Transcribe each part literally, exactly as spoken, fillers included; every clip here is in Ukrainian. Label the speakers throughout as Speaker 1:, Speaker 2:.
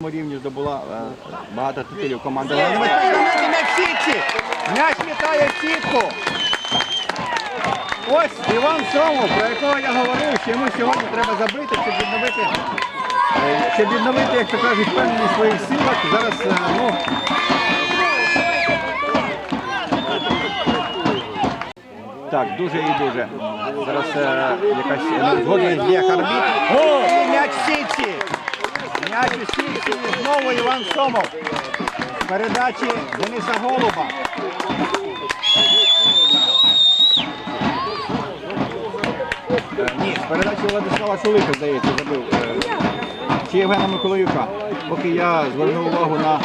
Speaker 1: рівні здобула багато титулів команда. М'яч в сітці! М'яч літає в сітку! Ось Іван Сомов, про якого я говорив, що йому сьогодні треба забити, щоб відновити, щоб відновити, як то кажуть, впевненість в своїх силах. Зараз, ну... Так, дуже і дуже. Зараз е, якась згоден є арбітр. О, м'яч в сітці! М'яч у сітці і знову Іван Сомов. З передачі Дениса Голуба. Е, ні, з передачі Владислава Шулика, здається, забив. Е, чи Євгена Миколаюка. Поки я звернув увагу на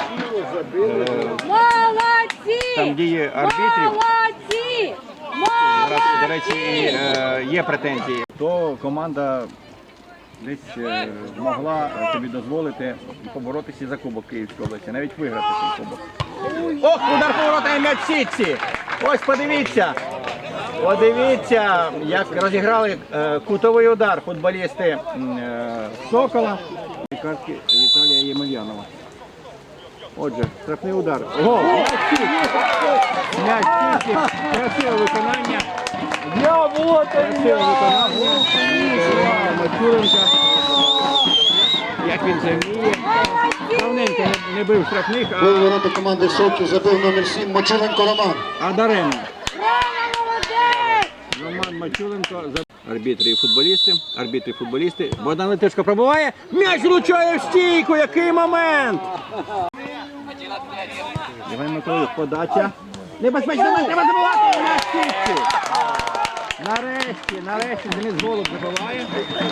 Speaker 1: е, там дії арбітрів. Зараз, до речі, е, є претензії. То команда десь е, могла тобі дозволити поборотися за Кубок Київської області, навіть виграти цей кубок. Ох, удар поворота і м'яч в сітці! Ось подивіться! Подивіться, як розіграли е, кутовий удар футболісти е, Сокола. Картки Віталія Ємельянова. Отже, штрафний удар. Гол! М'яч в сітці! Красиве виконання.
Speaker 2: Я вот
Speaker 1: Красиве виконання. Мачуленка. Як він це вміє. Давненько не, не бив штрафних, а...
Speaker 3: Гол ворота команди Сокіл забив номер сім Мачуленко Роман.
Speaker 1: А даремно. Роман Мачуленко. Арбітри і футболісти. Арбітри і футболісти. Богдан Летишко пробиває. М'яч влучає в стійку. Який момент! Євген Миколаїв, подача. Небезпечний момент, треба забивати. М'яч в сітці. Нарешті, нарешті Денис Голуб забиває.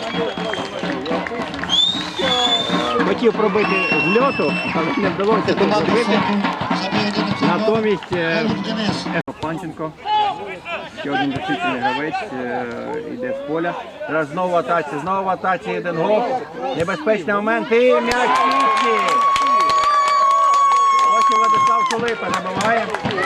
Speaker 1: Хотів пробити з льоту, але не вдалося це зробити. Натомість Панченко, ще один досвідчений гравець, йде з поля. Зараз знову в атаці, знову в атаці, один гол. Небезпечний момент і м'яч в сітці. Ось і Владислав Шулипа набиває.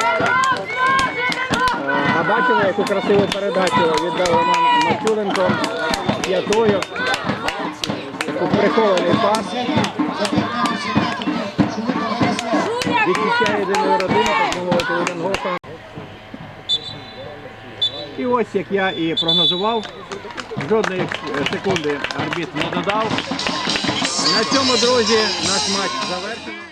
Speaker 1: А бачили, яку красиву передачу віддав Роман Мачуленко п'ятою. Таку прихований пас. Відчищає єдиної родини, так мовити, один гол. І ось, як я і прогнозував, жодної секунди арбітр не додав. На цьому, друзі, наш матч завершений.